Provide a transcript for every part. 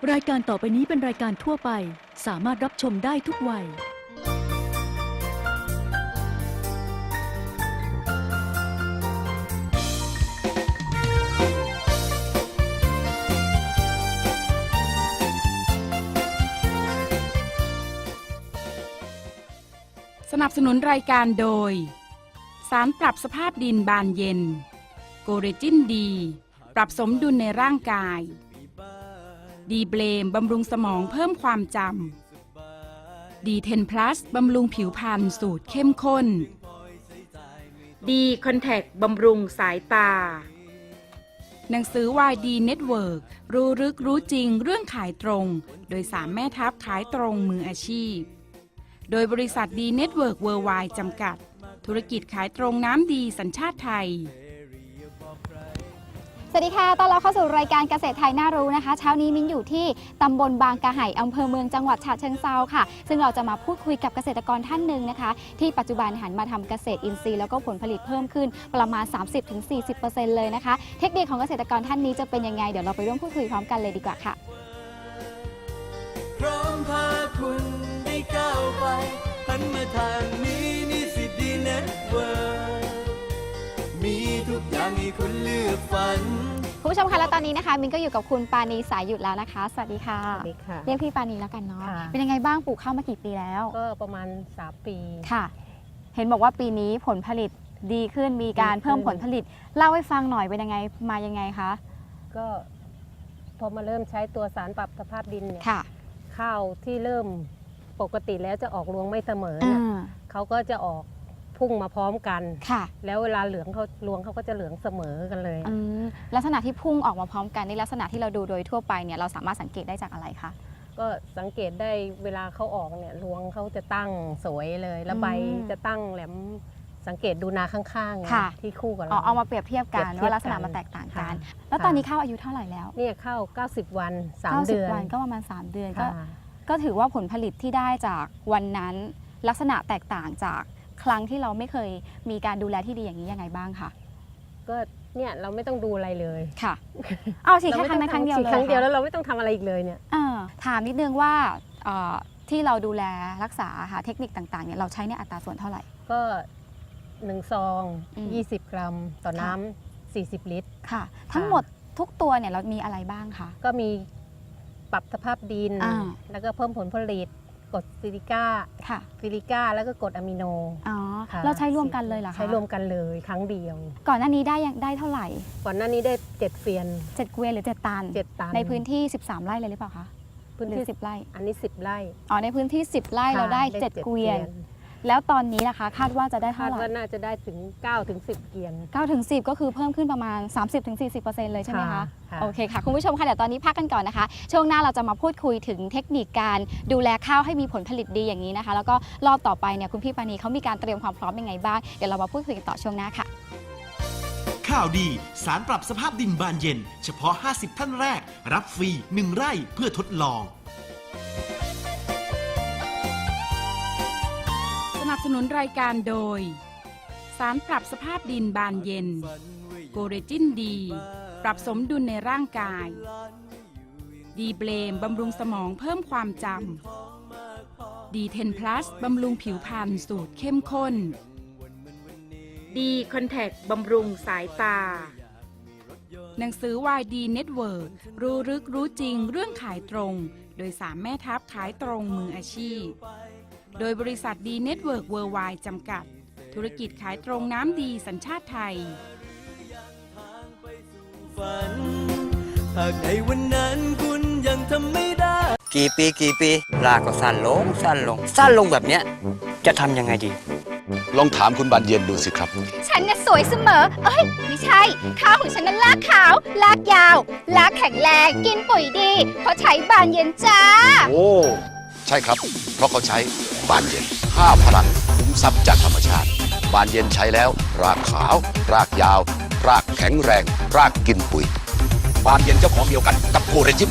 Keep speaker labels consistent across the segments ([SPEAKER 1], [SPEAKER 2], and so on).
[SPEAKER 1] รายการต่อไปนี้เป็นรายการทั่วไปสามารถรับชมได้ทุกวัย
[SPEAKER 2] สนับสนุนรายการโดยสารปรับสภาพดินบานเย็นโกเรจินดีปรับสมดุลในร่างกายดีเบลมบำรุงสมองเพิ่มความจำดี10 plus บำรุงผิวพรรณสูตรเข้มข้นดีคอนแทคบำรุงสายตาหนังสือวายดีเน็ตเวิร์กรู้ลึกรู้จริงเรื่องขายตรงโดย3 แม่ทัพขายตรงมืออาชีพโดยบริษัทดีเน็ตเวิร์กเวิร์ไวด์จำกัดธุรกิจขายตรงน้ำดีสัญชาติไทย
[SPEAKER 3] สวัสดีค่ะต้อนรับเข้าสู่รายการเกษตรไทยน่ารู้นะคะเช้านี้มิ้นอยู่ที่ตำบลบางกะไห่อำเภอเมืองจังหวัดฉะเชิงเทราค่ะซึ่งเราจะมาพูดคุยกับเกษตรกรท่านหนึ่งนะคะที่ปัจจุบันหันมาทำเกษตรอินทรีย์แล้วก็ผลผลิตเพิ่มขึ้นประมาณ 30-40% เลยนะคะเทคนิคของเกษตรกรท่านนี้จะเป็นยังไงเดี๋ยวเราไปร่วมพูดคุยพร้อมกันเลยดีกว่าค่ะ
[SPEAKER 4] พร้อมพาคุณได้ก้าวไปหันมาทางนี้นี่สิดีเน็ตเวิร์กมีทุกอย่างให้คุณเลือกฝัน
[SPEAKER 3] คุณผู้ชมคะและตอนนี้นะคะมินก็อยู่กับคุณปาณีสายหยุดแล้วนะคะสวัสดีค่ะ
[SPEAKER 5] สวัสดีค่ะ
[SPEAKER 3] เรียกพี่ปาณีแล้วกันเนาะ
[SPEAKER 5] ค่ะ
[SPEAKER 3] เป็นยังไงบ้างปลูกข้าวมากี่ปีแล้ว
[SPEAKER 5] ก็ประมาณ3 ปี
[SPEAKER 3] ค่ะ เห็นบอกว่าปีนี้ผลผลิตดีขึ้นมีการ
[SPEAKER 5] ดีขึ้น
[SPEAKER 3] เพิ่มผลผลิตเล่าให้ฟังหน่อยเป็นยังไงมายังไงคะ
[SPEAKER 5] ก็พอมาเริ่มใช้ตัวสารปรับสภาพดินเนี่ย
[SPEAKER 3] ค่ะ
[SPEAKER 5] ข้าวที่เริ่มปกติแล้วจะออกรวงไม่เสมอเนี่ยเขาก็จะออกพุ่งมาพร้อมกัน
[SPEAKER 3] ค่ะ
[SPEAKER 5] แล้วเวลาเหลืองเขารวงเขาก็จะเหลืองเสมอกันเลย
[SPEAKER 3] ลักษณะที่พุ่งออกมาพร้อมกันในลักษณะที่เราดูโดยทั่วไปเนี่ยเราสามารถสังเกตได้จากอะไรคะ
[SPEAKER 5] ก็สังเกตได้เวลาเขาออกเนี่ยรวงเขาจะตั้งสวยเลยแล้วใบจะตั้งแหลมสังเกตดูนาข้างๆไง
[SPEAKER 3] ค่ะ
[SPEAKER 5] ที่คู่กับ
[SPEAKER 3] อ๋อ
[SPEAKER 5] เรา
[SPEAKER 3] เอามาเปรียบเทียบกัน
[SPEAKER 5] เปรียบเทียบ
[SPEAKER 3] ว่าลักษณะ
[SPEAKER 5] กัน
[SPEAKER 3] มันแตกต่างกัน
[SPEAKER 5] ค่ะ
[SPEAKER 3] แล้วตอนนี้ข้าวอายุเท่าไหร่แล้ว
[SPEAKER 5] เนี่ยเข้า90 วัน3 เดือน
[SPEAKER 3] 90 วันก็ประมาณ3 เดือน
[SPEAKER 5] ค่ะ
[SPEAKER 3] ก็ถือว่าผลผลิตที่ได้จากวันนั้นลักษณะแตกต่างจากครั้งที่เราไม่เคยมีการดูแลที่ดีอย่างนี้ยังไงบ้างคะ
[SPEAKER 5] ก็เนี่ยเราไม่ต้องดูอะไรเลย
[SPEAKER 3] ค่ะเอาฉีดแค่ครั้งนั้นครั้งเดียวเลย
[SPEAKER 5] ฉีดครั้งเดียวแล้วเราไม่ต้องทำอะไรอีกเลยเนี่ย
[SPEAKER 3] ถามนิดนึงว่าที่เราดูแลรักษาค่ะเทคนิคต่างๆเนี่ยเราใช้ในอัตราส่วนเท่าไหร่
[SPEAKER 5] ก็1 ซอง 20 กรัมต่อน้ำ40 ลิตร
[SPEAKER 3] ค่ะ ทั้งหมดทุกตัวเนี่ยเรามีอะไรบ้างคะ
[SPEAKER 5] ก็มีปรับสภาพดิน
[SPEAKER 3] อ่า
[SPEAKER 5] แล้วก็เพิ่มผลผลิตกรดซิลิก้า
[SPEAKER 3] ค่ะ
[SPEAKER 5] แล้วก็กรดอะมิโน
[SPEAKER 3] อ๋อ
[SPEAKER 5] ค่ะ
[SPEAKER 3] เราใช้รวมกันเลยเหรอคะ
[SPEAKER 5] ใช้รวมกันเลยครั้งเดียว
[SPEAKER 3] ก่อนหน้านี้ได้เท่าไหร่
[SPEAKER 5] ก่อนหน้านี้ได้7 เฟียน
[SPEAKER 3] 7 เกวียนหรือ7 ตัน
[SPEAKER 5] 7 ตัน
[SPEAKER 3] ในพื้นที่13 ไร่เลยหรือเปล่าคะ
[SPEAKER 5] พื้น
[SPEAKER 3] หรื
[SPEAKER 5] ที่
[SPEAKER 3] อ10 ไร่
[SPEAKER 5] อันนี้10 ไร่
[SPEAKER 3] อ๋อในพื้นที่10 ไร่เราได้ 7 เกวียน แล้วตอนนี้นะคะคาดว่าจะได้เท่า
[SPEAKER 5] คาด
[SPEAKER 3] ไหร่
[SPEAKER 5] ว่าน่าจะได้ถึง9 ถึง 10 เกียน
[SPEAKER 3] 9 ถึง 10 ก็คือเพิ่มขึ้นประมาณ 30-40% เลยใช่ไหมคะ
[SPEAKER 5] ค่ะ
[SPEAKER 3] โอเคค่ะ คุณผู้ชมค่ะเดี๋ยวตอนนี้พักกันก่อนนะคะ ช่วงหน้าเราจะมาพูดคุยถึงเทคนิคการดูแลข้าวให้มีผลผลิตดีอย่างนี้นะคะ แล้วก็รอบต่อไปเนี่ยคุณพี่ปานีเขามีการเตรียมความพร้อมยังไงบ้าง เดี๋ยวเรามาพูดคุยกันต่อช่วงหน้าค่ะ
[SPEAKER 6] ข่าวดีสารปรับสภาพดินบานเย็นเฉพาะ 50 ท่านแรกรับฟรี 1 ไร่เพื่อทดลอง
[SPEAKER 2] สนับสนุนรายการโดยสารปรับสภาพดินบานเย็นโกเรจินดีปรับสมดุลในร่างกายดีเบลมบำรุงสมองเพิ่มความจำดี10 plus บำรุงผิวพรรณสูตรเข้มข้นดีคอนแทคบำรุงสายตาหนังสือวายดีเน็ตเวิร์กรู้ลึกรู้จริงเรื่องขายตรงโดย3 แม่ทัพขายตรงมืออาชีพโดยบริษัทดีเน็ตเวิร์กเวิร์ไวด์จำกัดธุรกิจขายตรงน้ำดีสัญชาติไทย
[SPEAKER 4] ฝันหากในวันนั้นคุณยังทำไม่ได้
[SPEAKER 7] กี่ปีลากก็สั้นลงแบบเนี้ยจะทำยังไงดี
[SPEAKER 8] ลองถามคุณบานเย็นดูสิครับ
[SPEAKER 9] ฉันน่ะสวยเสมอ เอ้ย ไม่ใช่ ข้าวของฉันนั้นลากขาว ลากยาว ลากแข็งแรง กินปุ๋ยดี เพราะใช้บานเย็นจ้า
[SPEAKER 8] โอ้ ใช่ครับ เพราะเขาใช้บานเย็น5 พลังคุ้มทรัพย์จากธรรมชาติ บานเย็นใช้แล้ว รากขาว รากยาว รากแข็งแรง รากกินปุ๋ย บานเย็นเจ้าของเดียวกันกับโกเรจิม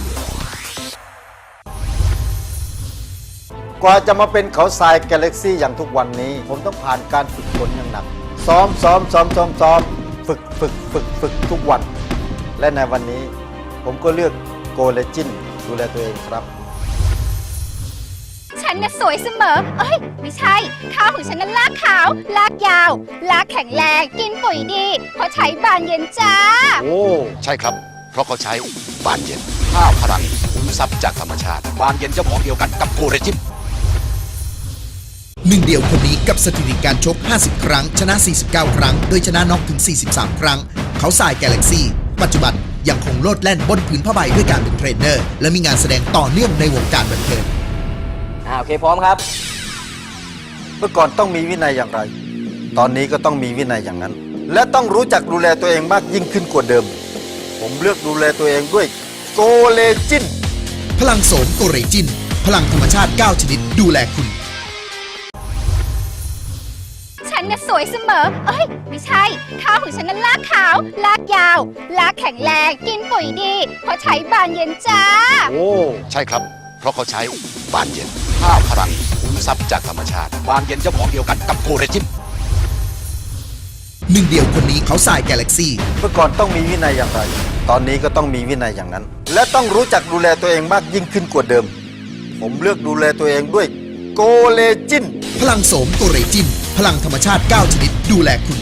[SPEAKER 10] กว่าจะมาเป็นเขาทรายกาแล็กซี่อย่างทุกวันนี้ ผมต้องผ่านการฝึกฝนอย่างหนัก ซ้อมฝึกทุกวัน และในวันนี้ผมก็เลือกโกเลจินดูแลตัวเองครับ
[SPEAKER 9] ฉันน่ะสวยเสมอ เอ้ย ไม่ใช่ ข้าวของฉันนั้นลากขาว ลากยาว ลากแข็งแรง กินปุ๋ยดี เพราะใช้บานเย็นจ้า
[SPEAKER 8] โอ้ ใช่ครับ เพราะเขาใช้บานเย็น5 พลังขุมทรัพย์จากธรรมชาติ บานเย็นเจ้าของเดียวกันกับโกเรจิม
[SPEAKER 11] หนึ่งเดียวคนนี้กับสถิติการชก 50 ครั้ง ชนะ 49 ครั้ง โดยชนะน็อกถึง 43 ครั้ง เขาทรายกาแล็กซี่ ปัจจุบันยังคงโลดแล่นบนผืนผ้าใบด้วยการเป็นเทรนเนอร์ และมีงานแสดงต่อเนื่องในวงการบันเทิง
[SPEAKER 7] โอเคพร้อมครับ
[SPEAKER 10] เมื่อก่อนต้องมีวินัยอย่างไร ตอนนี้ก็ต้องมีวินัยอย่างนั้น และต้องรู้จักดูแลตัวเองมากยิ่งขึ้นกว่าเดิม ผมเลือกดูแลตัวเองด้วยโกเลจิน
[SPEAKER 11] พลังโสมโกเรจิน พลังธรรมชาติ 9 ชนิดดูแลคุณ
[SPEAKER 9] ฉันน่ะสวยเสมอ เอ้ย ไม่ใช่ ข้าวของฉันนั้นลากขาว ลากยาว ลากแข็งแรง กินปุ๋ยดี เพราะใช้บานเย็นจ้า
[SPEAKER 8] โอ้ ใช่ครับ เพราะเขาใช้บานเย็น5 พลังขุมทรัพย์จากธรรมชาติ บานเย็นเจ้าของเดียวกันกับโกเรจิม
[SPEAKER 11] หนึ่งเดียวคนนี้เขาทรายกาแล็กซี่
[SPEAKER 10] เมื่อก่อนต้องมีวินัยอย่างไร ตอนนี้ก็ต้องมีวินัยอย่างนั้น และต้องรู้จักดูแลตัวเองมากยิ่งขึ้นกว่าเดิม ผมเลือกดูแลตัวเองด้วยโกเลจิน
[SPEAKER 11] พลังโสมโกเรจิน พลังธรรมชาติ 9 ชนิดดูแลคุณ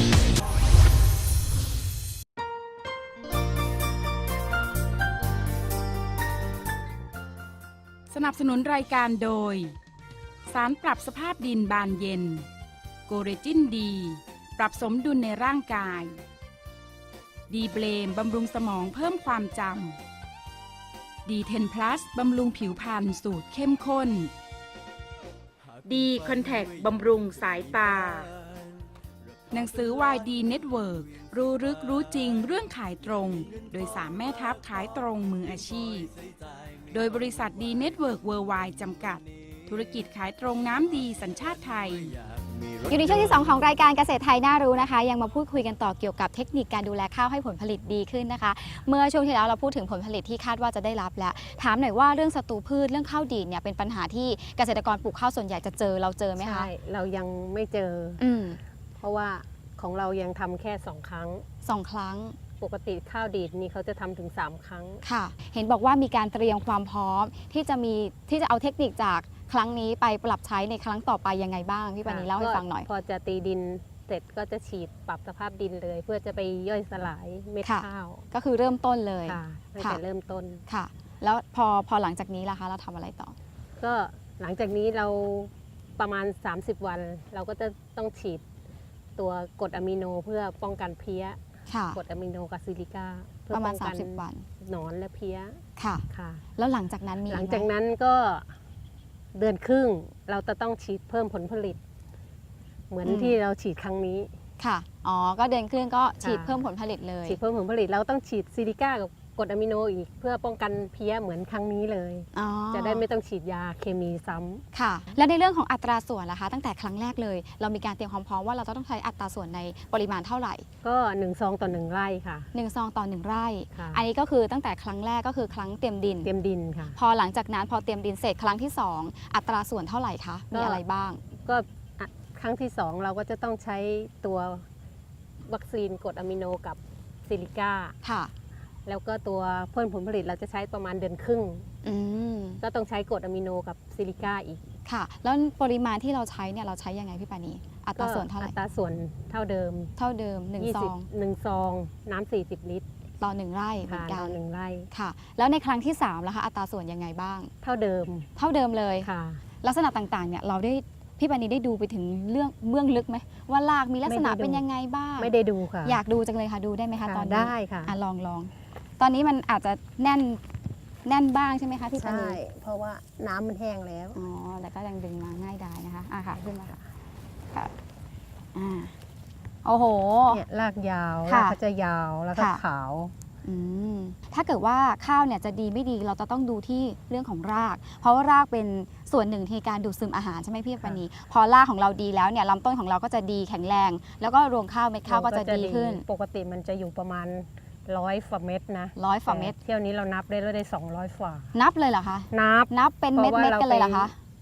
[SPEAKER 2] สนับสนุนรายการโดย สารปรับสภาพดินบานเย็น โกเรจินดี ปรับสมดุลในร่างกาย ดีเบลมบำรุงสมองเพิ่มความจำดีเทนพลัสบำรุงผิวพรรณสูตรเข้มข้น ดีคอนแทคบำรุงสายตา หนังสือวายดีเน็ตเวิร์รู้ลึกรู้จริงเรื่องขายตรง โดย3 แม่ทัพขายตรงมืออาชีพ โดยบริษัทดีเน็ตเวิร์กเวิร์ไวด์จำกัด ธุรกิจขายตรงน้ำดีสัญชาติไทย
[SPEAKER 3] อยู่ในช่วงที่ 2 ของรายการเกษตรไทยน่ารู้นะคะ ยังมาพูดคุยกันต่อเกี่ยวกับเทคนิคการดูแลข้าวให้ผลผลิตดีขึ้นนะคะ เมื่อช่วงที่แล้วเราพูดถึงผลผลิตที่คาดว่าจะได้รับแล้วถามหน่อยว่าเรื่องศัตรูพืชเรื่องข้าวดีดเนี่ยเป็นปัญหาที่เกษตรกรปลูกข้าวส่วนใหญ่จะเจอเราเจอไหมคะ
[SPEAKER 5] ใช่ เรายังไม่เจอ เพราะว่าของเรายังทำแค่ 2 ครั้ง
[SPEAKER 3] 2 ครั้ง
[SPEAKER 5] ปกติข้าวดีดนี่เขาจะทำถึง 3 ครั้ง
[SPEAKER 3] ค่ะ เห็นบอกว่ามีการเตรียมความพร้อมที่จะเอาเทคนิคจากครั้งนี้ไปปรับใช้ในครั้งต่อไปยังไงบ้างพี่ปานีเล่าให้ฟังหน่อย
[SPEAKER 5] พอจะตีดินเสร็จก็จะฉีดปรับสภาพดินเลย เพื่อจะไปย่อยสลายเม็ด
[SPEAKER 3] ค่ะ
[SPEAKER 5] ข้าว
[SPEAKER 3] ก็คือเริ่มต้นเลย
[SPEAKER 5] ค่ะตั้ง
[SPEAKER 3] ค่ะ
[SPEAKER 5] แต่เริ่มต้น
[SPEAKER 3] ค่ะ แล้วพอหลังจากนี้ล่ะคะเราทำอะไรต่อ
[SPEAKER 5] ก็หลังจากนี้เราประมาณ 30 วัน เราก็จะต้องฉีดตัวกรดอะมิโนเพื่อป้องกันเพี้ย
[SPEAKER 3] ค่ะ
[SPEAKER 5] กรดอะมิโนกับซิลิก้าเพื่อ
[SPEAKER 3] ประมา
[SPEAKER 5] ป้
[SPEAKER 3] ณ
[SPEAKER 5] องกัน
[SPEAKER 3] 30 วัน
[SPEAKER 5] หนอนและเพี้ย
[SPEAKER 3] ค่ะ
[SPEAKER 5] ค่ะ
[SPEAKER 3] แล้วหลังจากนั้นมี
[SPEAKER 5] หลัง
[SPEAKER 3] ไหม
[SPEAKER 5] จากนั้นก็เดือนครึ่งเราจะต้องฉีดเพิ่มผลผลิต เหมือนที่เราฉีดครั้งนี้
[SPEAKER 3] ค่ะ อ๋อ ก็เดือนครึ่งก็ฉีด
[SPEAKER 5] ค่ะ
[SPEAKER 3] เพิ่มผลผลิตเลย
[SPEAKER 5] ฉีดเพิ่มผลผลิตเราต้องฉีดซิลิก้ากับกรดอะมิโนอีก เพื่อป้องกันเพี้ยเหมือนครั้งนี้เลย
[SPEAKER 3] อ๋อ
[SPEAKER 5] จะได้ไม่ต้องฉีดยาเคมีซ้ำ
[SPEAKER 3] ค่ะ และในเรื่องของอัตราส่วนล่ะคะ ตั้งแต่ครั้งแรกเลย เรามีการเตรียมความพร้อมว่าเราจะต้องใช้อัตราส่วนในปริมาณเท่าไหร่
[SPEAKER 5] ก็1 ซองต่อ 1 ไร่ค่ะ
[SPEAKER 3] 1 ซองต่อ 1 ไร่
[SPEAKER 5] ค่ะ
[SPEAKER 3] อันนี้ก็คือตั้งแต่ครั้งแรกก็คือครั้งเตรียมดิน
[SPEAKER 5] เตรียมดินค่ะ
[SPEAKER 3] พอหลังจากนั้นพอเตรียมดินเสร็จครั้งที่ 2 อัตราส่วนเท่าไหร่คะ มีอะไรบ้าง
[SPEAKER 5] ก็อ่ะครั้งที่ 2 เราก็จะต้องใช้ตัววัคซีนกรดอะมิโนกับซิลิก้า
[SPEAKER 3] ค่ะ
[SPEAKER 5] แล้วก็ตัวเพิ่มผลผลิตเราจะใช้ประมาณเดือนครึ่ง
[SPEAKER 3] อืม
[SPEAKER 5] ก็ต้องใช้กรดอะมิโนกับซิลิก้าอีก
[SPEAKER 3] ค่ะ แล้วปริมาณที่เราใช้เนี่ยเราใช้ยังไงพี่ปานี อัตราส่วนเท่าไหร่
[SPEAKER 5] อัตราส่วนเท่าเดิม
[SPEAKER 3] เท่าเดิม1 ซอง
[SPEAKER 5] 1 ซองน้ำ40 ลิตร
[SPEAKER 3] ต่อ 1 ไร่เหมื
[SPEAKER 5] ค่ะ
[SPEAKER 3] อนกั
[SPEAKER 5] ต่อน 1 ไร่
[SPEAKER 3] ค่ะ แล้วในครั้งที่3ล่ะคะ อัตราส่วนยังไงบ้าง
[SPEAKER 5] เท่าเดิม
[SPEAKER 3] เท่าเดิมเลย
[SPEAKER 5] ค่ะ
[SPEAKER 3] ลักษณะต่างๆ เนี่ยเราได้พี่ปานีได้ดูไปถึงเรื่องเบื้องลึกไหมว่ารากมีลักษณะ
[SPEAKER 5] ไม่ได้ดู
[SPEAKER 3] เป็นยังไงบ้าง
[SPEAKER 5] ไม่ได้ดูค่ะ
[SPEAKER 3] อยากดูจังเลยค่ะดูได้ไหมคะ
[SPEAKER 5] ค่ะ
[SPEAKER 3] ตอนนี้
[SPEAKER 5] ได้ค่ะ
[SPEAKER 3] ลองตอนนี้มันอาจจะแน่นบ้างใช่ไหมคะพี่ปานี
[SPEAKER 5] เพราะว่าน้ำมันแห้งแล้ว
[SPEAKER 3] อ๋อแต่ก็ยังดึงมาง่ายได้นะคะค่ะขึ้นมาค่ะค่ะโอ้โห
[SPEAKER 5] เนี่ยรากยาว
[SPEAKER 3] ค่ะ
[SPEAKER 5] รากเขาจะยาวแล้วก็
[SPEAKER 3] ค่ะ
[SPEAKER 5] ขาว
[SPEAKER 3] ถ้าเกิดว่าข้าวเนี่ยจะดีไม่ดีเราจะต้องดูที่เรื่องของราก เพราะว่ารากเป็นส่วนหนึ่งในการดูดซึมอาหารใช่ไหมพี่ปานีพอรากของเราดีแล้วเนี่ยลำต้นของเราก็จะดีแข็งแรง แล้วก็รวงข้าวเม็ดข้าวก็จะดีขึ้น
[SPEAKER 5] ปกติมันจะอยู่ประมาณ100ฝ่าเม็ดนะ
[SPEAKER 3] 100ฝ่าเม็ด
[SPEAKER 5] แต่เที่ยวนี้เรานับได้200ฝ่า
[SPEAKER 3] นับเลยเหรอคะ
[SPEAKER 5] นับ
[SPEAKER 3] นับเป็นเม็ดๆกันเลยเหรอคะ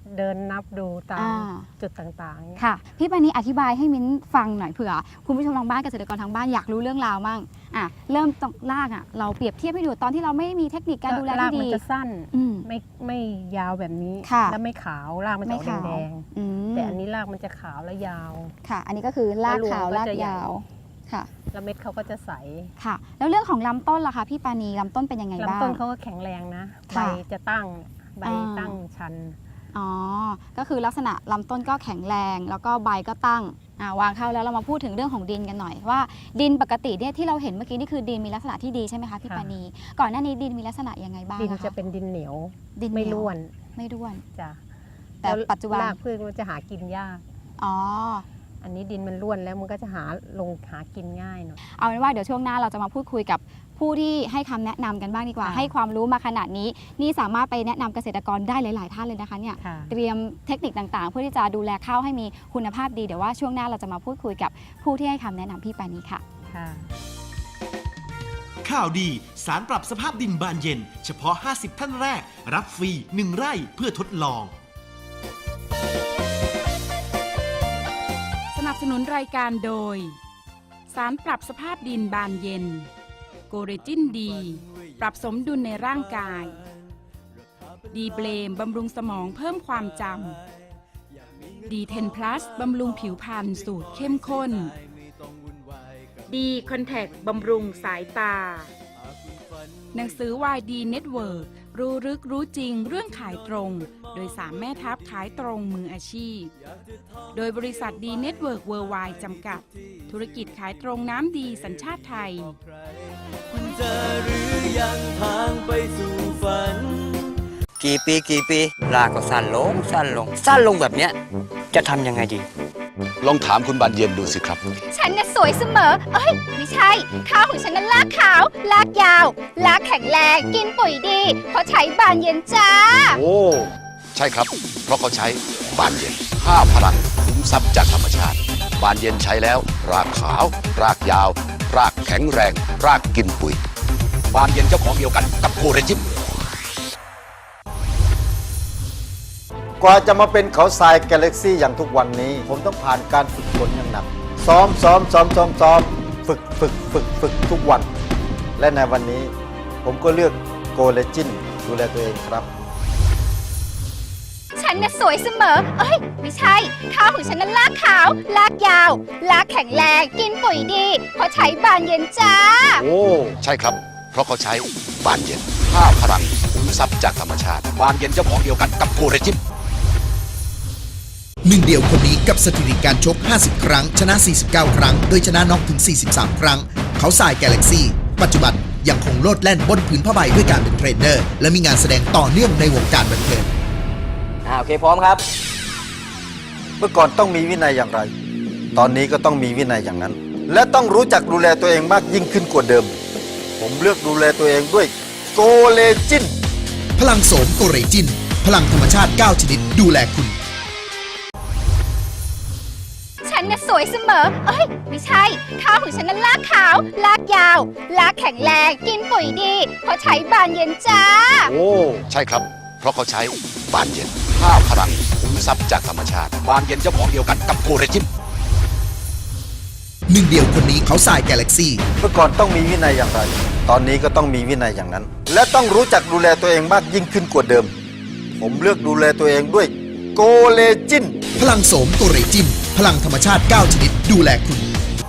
[SPEAKER 5] เดินนับดูตาม
[SPEAKER 3] อ่า
[SPEAKER 5] จุดต่างๆเนี่ย
[SPEAKER 3] ค่ะ พี่ปานีอธิบายให้มิ้นฟังหน่อยเผื่อคุณผู้ชมทางบ้านเกษตรกรทางบ้านอยากรู้เรื่องราวมั่งเริ่มตรงรากเราเปรียบเทียบให้ดูตอนที่เราไม่มีเทคนิคการดูแล
[SPEAKER 5] ราก
[SPEAKER 3] ที่
[SPEAKER 5] มัน
[SPEAKER 3] ดี
[SPEAKER 5] จะสั้น
[SPEAKER 3] อืม
[SPEAKER 5] ไม่ยาวแบบนี้
[SPEAKER 3] ค่ะ
[SPEAKER 5] แล้วไม่ขาวรากมันจะออก
[SPEAKER 3] ไม่ขาว
[SPEAKER 5] แดง
[SPEAKER 3] อืม
[SPEAKER 5] ๆแต่อันนี้รากมันจะขาวและยาว
[SPEAKER 3] ค่ะ อันนี้ก็คือรากขาว
[SPEAKER 5] แล้วรวงก็
[SPEAKER 3] ราก
[SPEAKER 5] จะใหญ่
[SPEAKER 3] ยาวค่ะ
[SPEAKER 5] แล้วเม็ดเขาก็จะใส
[SPEAKER 3] ค่ะ แล้วเรื่องของลำต้นล่ะคะพี่ปานีลำต้นเป็นยังไงบ้าง
[SPEAKER 5] ลำต้นเขาก็แข็งแรงนะใบ
[SPEAKER 3] ค่ะ
[SPEAKER 5] จะตั้งใบ
[SPEAKER 3] อ่า
[SPEAKER 5] ตั้งชัน
[SPEAKER 3] อ๋อ ก็คือลักษณะลำต้นก็แข็งแรง แล้วก็ใบก็ตั้งวางเข้าแล้วเรามาพูดถึงเรื่องของดินกันหน่อยว่าดินปกติเนี่ยที่เราเห็นเมื่อกี้นี่คือดินมีลักษณะที่ดีใช่ไหมคะพี่
[SPEAKER 5] ค่ะ
[SPEAKER 3] ปานีก่อนหน้านี้ดินมีลักษณะยังไงบ้าง
[SPEAKER 5] ดิน
[SPEAKER 3] ค
[SPEAKER 5] จะเป็นดินเหนียว
[SPEAKER 3] ดิน
[SPEAKER 5] ไม่
[SPEAKER 3] เหยว
[SPEAKER 5] ร่วน
[SPEAKER 3] ไม่ร่วน
[SPEAKER 5] จ้ะ
[SPEAKER 3] แต่
[SPEAKER 5] ล้ว
[SPEAKER 3] ปัจจุบัน
[SPEAKER 5] รากพืชมันจะหากินยาก
[SPEAKER 3] อ๋อ
[SPEAKER 5] อันนี้ดินมันร่วนแล้วมันก็จะหากินง่ายหน่อย
[SPEAKER 3] เอาเป็นว่าเดี๋ยวช่วงหน้าเราจะมาพูดคุยกับผู้ที่ให้คำแนะนำกันบ้างดีกว่า
[SPEAKER 5] ค่ะ
[SPEAKER 3] ให้ความรู้มาขนาดนี้นี่สามารถไปแนะนำเกษตรกรได้หลาย ๆ ท่านเลยนะคะเนี่ย
[SPEAKER 5] ค่ะ
[SPEAKER 3] เตรียมเทคนิคต่างๆ เพื่อที่จะดูแลข้าวให้มีคุณภาพดีเดี๋ยวว่าช่วงหน้าเราจะมาพูดคุยกับผู้ที่ให้คำแนะนำพี่ปานีค่ะ
[SPEAKER 5] ค่ะ
[SPEAKER 6] ข่าวดีสารปรับสภาพดินบานเย็น เฉพาะ 50 ท่านแรก รับฟรี 1 ไร่เพื่อทดลอง
[SPEAKER 2] สนับสนุนรายการโดย สารปรับสภาพดินบานเย็น โกเรจินดี ปรับสมดุลในร่างกาย ดีเบลมบำรุงสมองเพิ่มความจำดี10 plus บำรุงผิวพรรณสูตรเข้มข้น ดีคอนแทคบำรุงสายตา หนังสือวายดีเน็ตเวิร์รู้ลึกรู้จริงเรื่องขายตรง โดย3 แม่ทัพขายตรงมืออาชีพ โดยบริษัทดีเน็ตเวิร์กเวิร์ไวด์จำกัด ธุรกิจขายตรงน้ำดีสัญชาติไทย
[SPEAKER 4] คุณจะหรือยังทางไปสู่ฝัน
[SPEAKER 7] กี่ปีรากก็สั้นลงสั้นลง สั้นลงแบบเนี้ยจะทำยังไงดี
[SPEAKER 8] ลองถามคุณบานเย็นดูสิครับ
[SPEAKER 9] ฉันน่ะสวยเสมอ เอ้ย ไม่ใช่ ข้าวของฉันนั้นลากขาว ลากยาว ลากแข็งแรง กินปุ๋ยดี เพราะใช้บานเย็นจ้า
[SPEAKER 8] โอ้ ใช่ครับ เพราะเขาใช้บานเย็น5 พลังขุมทรัพย์จากธรรมชาติ บานเย็นใช้แล้ว รากขาว รากยาว รากแข็งแรง รากกินปุ๋ย บานเย็นเจ้าของเดียวกันกับโคเรจิม
[SPEAKER 10] กว่าจะมาเป็นเขาทรายกาแล็กซี่อย่างทุกวันนี้ ผมต้องผ่านการฝึกฝนอย่างหนัก ซ้อมฝึกทุกวัน และในวันนี้ ผมก็เลือกโกเลจินดูแลตัวเองครับ
[SPEAKER 9] ฉันน่ะสวยเสมอ เอ้ย ไม่ใช่ ข้าวของฉันนั้นลากขาว ลากยาว ลากแข็งแรง กินปุ๋ยดี เพราะใช้บานเย็นจ้า
[SPEAKER 8] โอ้ ใช่ครับ เพราะเขาใช้บานเย็น5 พลังขุมทรัพย์จากธรรมชาติ บานเย็นเจ้าของเดียวกันกับโคเรจิม
[SPEAKER 11] หนึ่งเดียวคนนี้กับสถิติการชก 50 ครั้ง ชนะ 49 ครั้ง โดยชนะน็อกถึง 43 ครั้ง เขาทรายกาแล็กซี่ ปัจจุบันยังคงโลดแล่นบนผืนผ้าใบด้วยการเป็นเทรนเนอร์ และมีงานแสดงต่อเนื่องในวงการบันเทิง
[SPEAKER 7] โอเคพร้อมครับ
[SPEAKER 10] เมื่อก่อนต้องมีวินัยอย่างไร ตอนนี้ก็ต้องมีวินัยอย่างนั้น และต้องรู้จักดูแลตัวเองมากยิ่งขึ้นกว่าเดิม ผมเลือกดูแลตัวเองด้วยโกเลจิน
[SPEAKER 11] พลังโสมโกเรจิน พลังธรรมชาติ 9 ชนิดดูแลคุณ
[SPEAKER 9] ฉันน่ะสวยเสมอ เอ้ย ไม่ใช่ ข้าวของฉันนั้นลากขาว ลากยาว ลากแข็งแรง กินปุ๋ยดี เพราะใช้บานเย็นจ้า
[SPEAKER 8] โอ้ ใช่ครับ เพราะเขาใช้บานเย็น5 พลังขุมทรัพย์จากธรรมชาติ บานเย็นเจ้าของเดียวกันกับโคเรจิม
[SPEAKER 11] หนึ่งเดียวคนนี้เขาทรายกาแล็กซี่
[SPEAKER 10] เมื่อก่อนต้องมีวินัยอย่างไร ตอนนี้ก็ต้องมีวินัยอย่างนั้น และต้องรู้จักดูแลตัวเองมากยิ่งขึ้นกว่าเดิม ผมเลือกดูแลตัวเองด้วยโกเลจิน
[SPEAKER 11] พลังโสมโกเรจิน พลังธรรมชาติ 9 ชนิดดูแลคุณ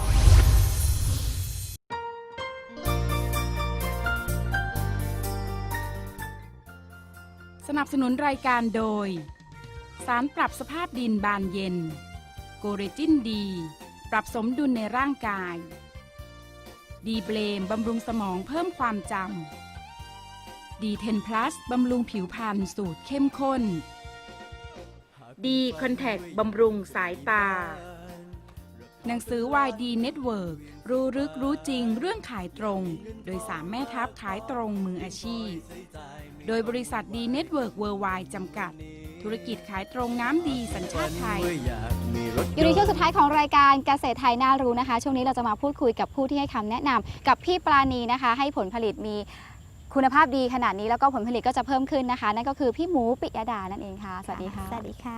[SPEAKER 2] สนับสนุนรายการโดย สารปรับสภาพดินบานเย็น โกเรจินดี ปรับสมดุลในร่างกาย ดีเบลมบำรุงสมองเพิ่มความจำดี10 plus บำรุงผิวพรรณสูตรเข้มข้น ดีคอนแทคบำรุงสายตา หนังสือวายดีเน็ตเวิร์รู้ลึกรู้จริงเรื่องขายตรง โดย3 แม่ทัพขายตรงมืออาชีพ โดยบริษัทดีเน็ตเวิร์กเวิร์ไวด์จำกัด ธุรกิจขายตรงน้ำดีสัญชาติไทย
[SPEAKER 3] อยู่ในช่วงสุดท้ายของรายการเกษตรไทยน่ารู้นะคะ ช่วงนี้เราจะมาพูดคุยกับผู้ที่ให้คำแนะนำกับพี่ปราณีนะคะ ให้ผลผลิตมีคุณภาพดีขนาดนี้แล้วก็ผลผลิตก็จะเพิ่มขึ้นนะคะ นั่นก็คือพี่หมูปิยดานั่นเองค่ะสวัสดีค่ะ
[SPEAKER 9] สวัสดีค่ะ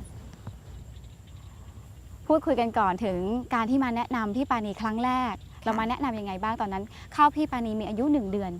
[SPEAKER 3] พูดคุยกันก่อนถึงการที่มาแนะนำพี่ปานีครั้งแรก เรามาแนะนำยังไงบ้างตอนนั้นข้าวพี่ปานีมีอายุ1 เดือน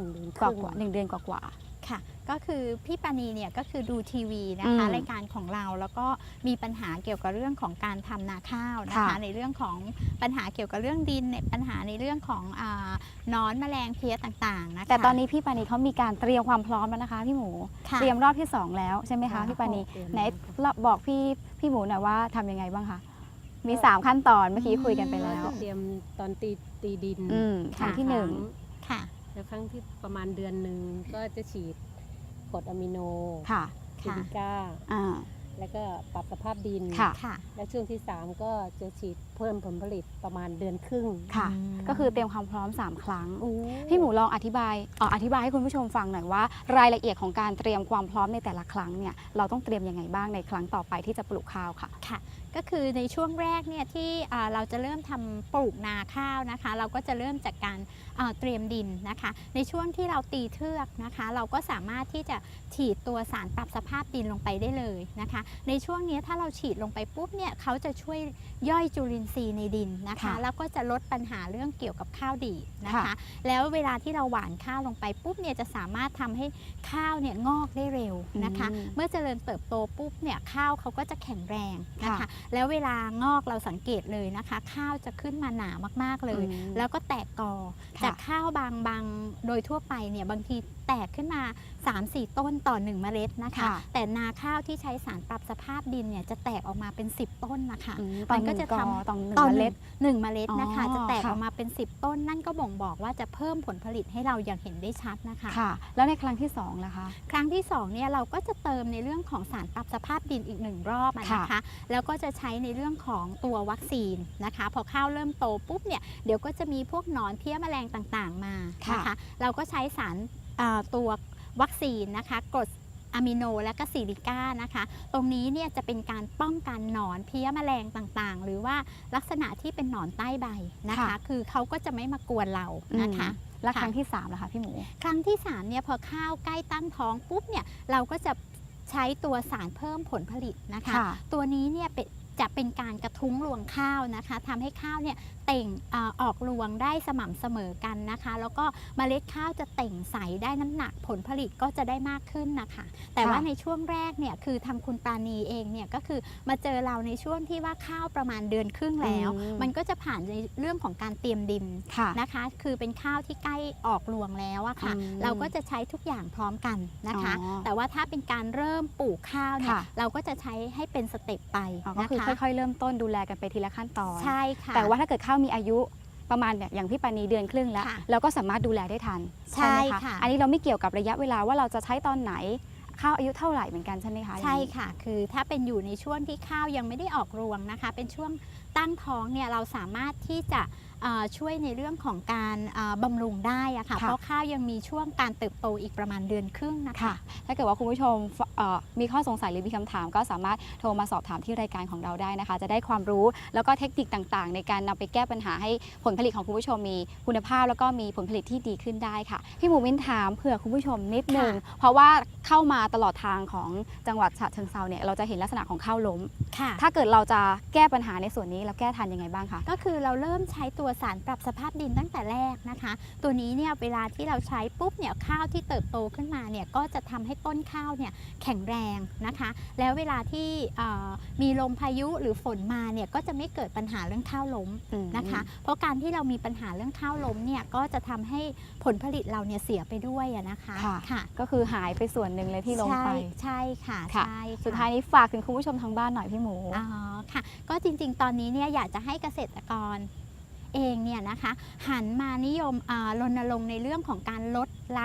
[SPEAKER 5] 1
[SPEAKER 3] กว่า1 เดือนกว่า
[SPEAKER 9] ค่ะก็คือพี่ปานีเนี่ยก็คือดูทีวีนะคะ
[SPEAKER 3] อืม
[SPEAKER 9] รายการของเราแล้วก็มีปัญหาเกี่ยวกับเรื่องของการทำนาข้าวนะคะ
[SPEAKER 3] ค่ะ
[SPEAKER 9] ในเรื่องของปัญหาเกี่ยวกับเรื่องดินในปัญหาในเรื่องของหนอนแมลงเพี้ยต่างๆนะคะ
[SPEAKER 3] แต่ตอนนี้พี่ปานีเขามีการเตรียมความพร้อมแล้วนะคะพี่หมู
[SPEAKER 9] ค่ะ
[SPEAKER 3] เตรียมรอบที่ 2 แล้วใช่ไหมคะพี่ปานีไหนบอกพี่หมูหน่อยว่าทำยังไงบ้างคะมี 3 ขั้นตอนเมื่อกี้คุยกันไปแล้ว
[SPEAKER 5] เตรียมตอนตีดิน
[SPEAKER 3] ครั้งที่
[SPEAKER 9] ค่ะ
[SPEAKER 5] แล้วครั้งที่ประมาณเดือนหนึ่งก็จะฉีดกรดอะมิโน
[SPEAKER 3] 1ค่ะ
[SPEAKER 5] ซิลิก้า
[SPEAKER 3] อ่า
[SPEAKER 5] แล้วก็ปรับสภาพดิน
[SPEAKER 3] ค่ะ
[SPEAKER 9] ค่ะ
[SPEAKER 5] และช่วงที่ 3 ก็จะฉีดเพิ่มผลผลิตประมาณเดือนครึ่ง
[SPEAKER 3] ค่ะ
[SPEAKER 9] อืม
[SPEAKER 3] ก็คือเตรียมความพร้อม 3 ครั้ง พี่หมูลองอธิบายให้คุณผู้ชมฟังหน่อยว่ารายละเอียดของการเตรียมความพร้อมในแต่ละครั้งเนี่ยเราต้องเตรียมยังไงบ้างในครั้งต่อไปที่จะปลูกข้าวค่ะ
[SPEAKER 9] ค่ะก็คือในช่วงแรกเนี่ยที่เราจะเริ่มทำปลูกนาข้าวนะคะ เราก็จะเริ่มจากการเตรียมดินนะคะ ในช่วงที่เราตีเทือกนะคะ เราก็สามารถที่จะฉีดตัวสารปรับสภาพดินลงไปได้เลยนะคะ ในช่วงนี้ถ้าเราฉีดลงไปปุ๊บเนี่ยเขาจะช่วยย่อยจุลินทรีย์ในดินนะคะ
[SPEAKER 3] ค่ะ
[SPEAKER 9] แล้วก็จะลดปัญหาเรื่องเกี่ยวกับข้าวดีดนะคะ
[SPEAKER 3] ค่ะ
[SPEAKER 9] แล้วเวลาที่เราหว่านข้าวลงไปปุ๊บเนี่ยจะสามารถทำให้ข้าวเนี่ยงอกได้เร็วนะคะ เมื่อเจริญเติบโตปุ๊บเนี่ยข้าวเขาก็จะแข็งแรงนะคะ
[SPEAKER 3] ค่ะ
[SPEAKER 9] แล้วเวลางอกเราสังเกตเลยนะคะ ข้าวจะขึ้นมาหนามากๆเลย แล้วก็แตกกอ
[SPEAKER 3] ค่ะ
[SPEAKER 9] จากข้าวบางโดยทั่วไปเนี่ยบางทีแตกขึ้นมา 3-4 ต้นต่อ 1 เมล็ดนะคะ
[SPEAKER 3] ค่ะ
[SPEAKER 9] แต่นาข้าวที่ใช้สารปรับสภาพดินเนี่ยจะแตกออกมาเป็น 10 ต้นนะคะ
[SPEAKER 3] ต่อ
[SPEAKER 9] มัน
[SPEAKER 3] ห
[SPEAKER 9] ก็
[SPEAKER 3] นึ่ง
[SPEAKER 9] จะ
[SPEAKER 3] ก
[SPEAKER 9] ท
[SPEAKER 3] อ
[SPEAKER 9] ำ
[SPEAKER 3] ต่อ
[SPEAKER 9] ต่อ
[SPEAKER 3] 1 เมล็ด
[SPEAKER 9] หนึ่งเมล็ดนะคะ
[SPEAKER 3] อ๋อ
[SPEAKER 9] จะแตก
[SPEAKER 3] ค่ะ
[SPEAKER 9] ออกมาเป็น 10 ต้น นั่นก็บ่งบอกว่าจะเพิ่มผลผลิตให้เราอย่างเห็นได้ชัดนะคะ
[SPEAKER 3] ค่ะ แล้วในครั้งที่2ล่ะคะ
[SPEAKER 9] ครั้งที่2เนี่ยเราก็จะเติมในเรื่องของสารปรับสภาพดินอีก1 รอบอะนะคะ แล้วก็จะใช้ในเรื่องของตัววัคซีนนะคะ พอข้าวเริ่มโตปุ๊บเนี่ยเดี๋ยวก็จะมีพวกหนอนเพี้ยแมลงต่างๆมานะคะ เราก็ใช้สารตัววัคซีนนะคะกรดอะมิโนและก็ซิลิก้านะคะ ตรงนี้เนี่ยจะเป็นการป้องกันหนอนเพี้ยแมลงต่างๆ หรือว่าลักษณะที่เป็นหนอนใต้ใบนะคะ
[SPEAKER 3] ค่ะ
[SPEAKER 9] คือเขาก็จะไม่มากวนเรานะคะ
[SPEAKER 3] และครั้งที่3ล่ะคะพี่หมู
[SPEAKER 9] ครั้งที่3เนี่ยพอข้าวใกล้ตั้งท้องปุ๊บเนี่ยเราก็จะใช้ตัวสารเพิ่มผลผลิตนะคะ
[SPEAKER 3] ค่ะ
[SPEAKER 9] ตัวนี้เนี่ยจะเป็นการกระทุ้งรวงข้าวนะคะทำให้ข้าวเนี่ยเต่งออกรวงได้สม่ำเสมอกันนะคะ แล้วก็เมล็ดข้าวจะเต่งใสได้น้ำหนักผลผลิตก็จะได้มากขึ้นนะคะ แต่ว่าในช่วงแรกเนี่ยคือทางคุณปราณีเองเนี่ยก็คือมาเจอเราในช่วงที่ว่าข้าวประมาณเดือนครึ่งแล้ว มันก็จะผ่านในเรื่องของการเตรียมดิน
[SPEAKER 3] ค่ะ
[SPEAKER 9] นะคะ คือเป็นข้าวที่ใกล้ออกรวงแล้วอะค่ะ
[SPEAKER 3] อืม
[SPEAKER 9] เราก็จะใช้ทุกอย่างพร้อมกันนะคะ
[SPEAKER 3] อ๋อ
[SPEAKER 9] แต่ว่าถ้าเป็นการเริ่มปลูกข้าวเนี่ย
[SPEAKER 3] ค่ะ
[SPEAKER 9] เราก็จะใช้ให้เป็นสเต็ปไป
[SPEAKER 3] อ๋อก็
[SPEAKER 9] นะ
[SPEAKER 3] คือ
[SPEAKER 9] คะ
[SPEAKER 3] ค่อยๆเริ่มต้นดูแลกันไปทีละขั้นตอน
[SPEAKER 9] ใช่ค่ะ
[SPEAKER 3] แต่ว่าถ้าเกิดข้าวมีอายุประมาณเนี่ยอย่างพี่ปานีเดือนครึ่งแล้ว
[SPEAKER 9] ค่ะ
[SPEAKER 3] เราก็สามารถดูแลได้ทัน
[SPEAKER 9] ใช่
[SPEAKER 3] ไหม
[SPEAKER 9] ค่ะ
[SPEAKER 3] อันนี้เราไม่เกี่ยวกับระยะเวลาว่าเราจะใช้ตอนไหนข้าวอายุเท่าไหร่เหมือนกันใช่ไหมคะ
[SPEAKER 9] ใช่ค่ะ คือถ้าเป็นอยู่ในช่วงที่ข้าวยังไม่ได้ออกรวงนะคะ เป็นช่วงตั้งท้องเนี่ยเราสามารถที่จะช่วยในเรื่องของการบำรุงได้อะค่ะ เพราะข้าวยังมีช่วงการเติบโตอีกประมาณเดือนครึ่งนะคะ
[SPEAKER 3] ค่ะ ถ้าเกิดว่าคุณผู้ชมมีข้อสงสัยหรือมีคำถามก็สามารถโทรมาสอบถามที่รายการของเราได้นะคะ จะได้ความรู้แล้วก็เทคนิคต่างๆ ในการนำไปแก้ปัญหาให้ผลผลิตของคุณผู้ชมมีคุณภาพแล้วก็มีผลผลิตที่ดีขึ้นได้ค่ะพี่หมูมิ้นถามเผื่อคุณผู้ชมนิดนึง
[SPEAKER 9] ค่ะ
[SPEAKER 3] เพราะว่าเข้ามาตลอดทางของจังหวัดฉะเชิงเทราเนี่ยเราจะเห็นลักษณะของข้าวล้ม
[SPEAKER 9] ค่ะ
[SPEAKER 3] ถ้าเกิดเราจะแก้ปัญหาในส่วนนี้เราแก้ทันยังไงบ้างคะ
[SPEAKER 9] ก็คือเราเริ่มใช้ตัวสารปรับสภาพดินตั้งแต่แรกนะคะ ตัวนี้เนี่ยเวลาที่เราใช้ปุ๊บเนี่ยข้าวที่เติบโตขึ้นมาเนี่ยก็จะทำให้ต้นข้าวเนี่ยแข็งแรงนะคะ แล้วเวลาที่มีลมพายุหรือฝนมาเนี่ยก็จะไม่เกิดปัญหาเรื่องข้าวล้มนะคะ เพราะการที่เรามีปัญหาเรื่องข้าวล้มเนี่ยก็จะทำให้ผลผลิตเราเนี่ยเสียไปด้วยอะนะคะ
[SPEAKER 3] ค่ะก็คือหายไปส่วนหนึ่งเลยที่ล้มไป
[SPEAKER 9] ใช่ค่ะ
[SPEAKER 3] ค่ะ
[SPEAKER 9] ใช่ค่ะ
[SPEAKER 3] สุดท้ายนี้ฝากถึงคุณผู้ชมทางบ้านหน่อยพี่หมู
[SPEAKER 9] อ๋อค่ะ ก็จริงๆ ตอนนี้เนี่ยอยากจะให้เกษตรกรเองเนี่ยนะคะหันมานิยมรณรงค์ในเรื่องของการลดละ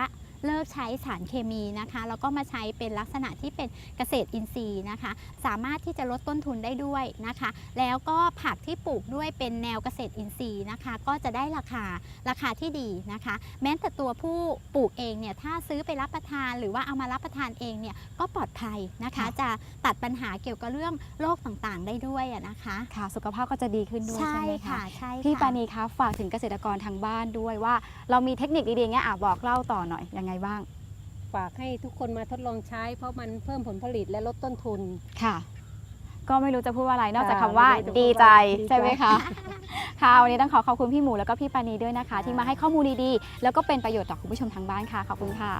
[SPEAKER 9] เลิกใช้สารเคมีนะคะแล้วก็มาใช้เป็นลักษณะที่เป็นเกษตรอินทรีย์นะคะสามารถที่จะลดต้นทุนได้ด้วยนะคะแล้วก็ผักที่ปลูกด้วยเป็นแนวเกษตรอินทรีย์นะคะก็จะได้ราคาที่ดีนะคะแม้แต่ตัวผู้ปลูกเองเนี่ยถ้าซื้อไปรับประทานหรือว่าเอามารับประทานเองเนี่ยก็ปลอดภัยนะคะจะตัดปัญหาเกี่ยวกับเรื่องโรคต่างๆได้ด้วยนะคะ
[SPEAKER 3] ค่ะสุขภาพก็จะดีขึ้นด้วย
[SPEAKER 9] ใช่
[SPEAKER 3] ใช่ไหม
[SPEAKER 9] ค่ะ
[SPEAKER 3] คะ
[SPEAKER 9] ใช่ค่ะ
[SPEAKER 3] พี่ปานีคะฝากถึงเกษตรกรทางบ้านด้วยว่าเรามีเทคนิคดีๆเงี้ยบอกเล่าต่อหน่อยยังไงบ้าง
[SPEAKER 5] ฝากให้ทุกคนมาทดลองใช้เพราะมันเพิ่มผลผลิตและลดต้นทุน
[SPEAKER 3] ค่ะ ก็ไม่รู้จะพูดว่าอะไรนอกจาก
[SPEAKER 5] ค่ะ
[SPEAKER 3] คำว่า
[SPEAKER 5] ไม่รู้จะพูด
[SPEAKER 3] ดีใจ
[SPEAKER 5] ว่าดีใจ
[SPEAKER 3] ใช่ไหมคะ ค่ะวันนี้ต้องขอบคุณพี่หมูแล้วก็พี่ปานีด้วยนะคะ ที่มาให้ข้อมูลดีๆแล้วก็เป็นประโยชน์ต่อคุณผู้ชมทางบ้านค่ะขอบคุณค่ะ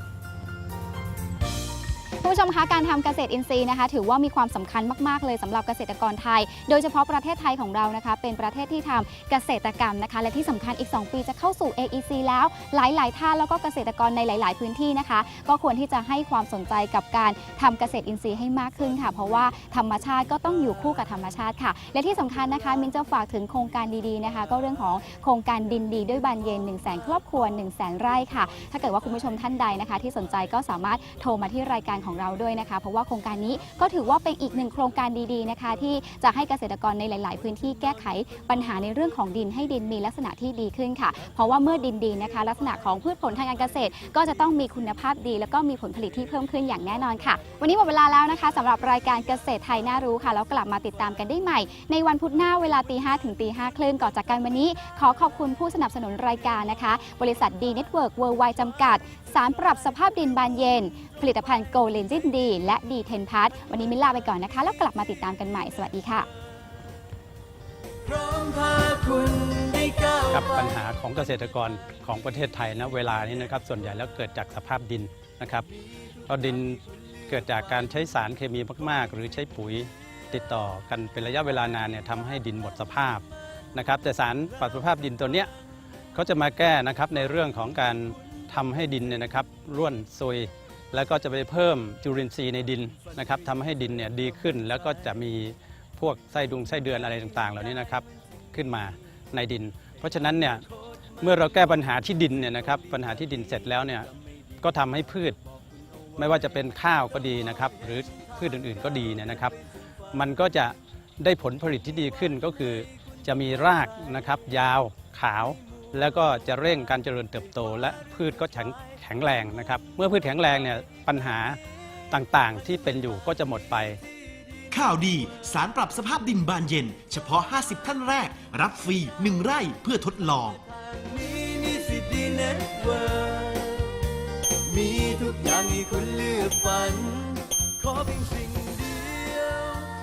[SPEAKER 3] คุณผู้ชมคะการทำเกษตรอินทรีย์นะคะถือว่ามีความสำคัญมากๆเลยสำหรับเกษตรกรไทย โดยเฉพาะประเทศไทยของเรานะคะเป็นประเทศที่ทำเกษตรกรรมนะคะและที่สำคัญอีก 2 ปีจะเข้าสู่ AEC แล้วหลายๆท่านแล้วก็เกษตรกรในหลาย ๆ พื้นที่นะคะก็ควรที่จะให้ความสนใจกับการทำเกษตรอินทรีย์ให้มากขึ้นค่ะเพราะว่าธรรมชาติก็ต้องอยู่คู่กับธรรมชาติค่ะและที่สำคัญนะคะมินจะฝากถึงโครงการดีๆนะคะก็เรื่องของโครงการดินดีด้วยบานเย็น 100,000 ครอบครัว 100,000 ไร่ค่ะถ้าเกิดว่าคุณผู้ชมท่านใดนะคะที่สนใจก็สามารถโทรมาที่รายการของเราด้วยนะคะเพราะว่าโครงการนี้ก็ถือว่าเป็นอีกหนึ่งโครงการดีๆนะคะที่จะให้เกษตรกรในหลาย ๆ พื้นที่แก้ไขปัญหาในเรื่องของดินให้ดินมีลักษณะที่ดีขึ้นค่ะเพราะว่าเมื่อดินดีนะคะลักษณะของพืชผลทางการเกษตรก็จะต้องมีคุณภาพดีแล้วก็มีผลผลิตที่เพิ่มขึ้นอย่างแน่นอนค่ะวันนี้หมดเวลาแล้วนะคะสำหรับรายการเกษตรไทยน่ารู้ค่ะแล้วกลับมาติดตามกันได้ใหม่ในวันพุธหน้าเวลา 5:00 ถึง 5:30 ก่อนจากกันวันนี้ขอขอบคุณผู้สนับสนุนรายการนะคะบริษัทดีเน็ตเวิร์กเวิร์ลไวด์จำกัดสารปรับสภาพดินบานเย็นผลิตภัณฑ์โกเลนจินดีและดีเทนพัทวันนี้มิลลาไปก่อนนะคะแล้วกลับมาติดตามกันใหม่สวัสดีค่ะ
[SPEAKER 4] พร้อมพาคุณได้ก้าว
[SPEAKER 12] ครับ
[SPEAKER 4] ไป
[SPEAKER 12] ปัญหาของเกษตรกรของประเทศไทยนะเวลานี้นะครับส่วนใหญ่แล้วเกิดจากสภาพดินนะครับเพราะดินเกิดจากการใช้สารเคมีมากๆหรือใช้ปุ๋ยติดต่อกันเป็นระยะเวลานานเนี่ยทำให้ดินหมดสภาพนะครับแต่สารปรับสภาพดินตัวเนี้ยเขาจะมาแก้นะครับในเรื่องของการทำให้ดินเนี่ยนะครับร่วนซุยแล้วก็จะไปเพิ่มจุลินทรีย์ในดินนะครับทำให้ดินเนี่ยดีขึ้นแล้วก็จะมีพวกไส้เดือนอะไรต่างๆเหล่านี้นะครับขึ้นมาในดินเพราะฉะนั้นเนี่ยเมื่อเราแก้ปัญหาที่ดินเนี่ยนะครับปัญหาที่ดินเสร็จแล้วเนี่ยก็ทำให้พืชไม่ว่าจะเป็นข้าวก็ดีนะครับหรือพืชอื่นๆก็ดีเนี่ยนะครับมันก็จะได้ผลผลิตที่ดีขึ้นก็คือจะมีรากนะครับยาวขาวแล้วก็จะเร่งการเจริญเติบโตและพืชก็แข็งแรงนะครับเมื่อพืชแข็งแรงเนี่ยปัญหาต่างๆที่เป็นอยู่ก็จะหมดไป
[SPEAKER 6] ข่าวดีสารปรับสภาพดินบานเย็นเฉพาะ 50 ท่านแรกรับฟรี 1 ไร่เพื่อทดลอง
[SPEAKER 4] มีสิทธิ์ดีเน็ตเวิร์มีทุกอย่างให้คุณเลือกฝันขอเพียงสิ่ง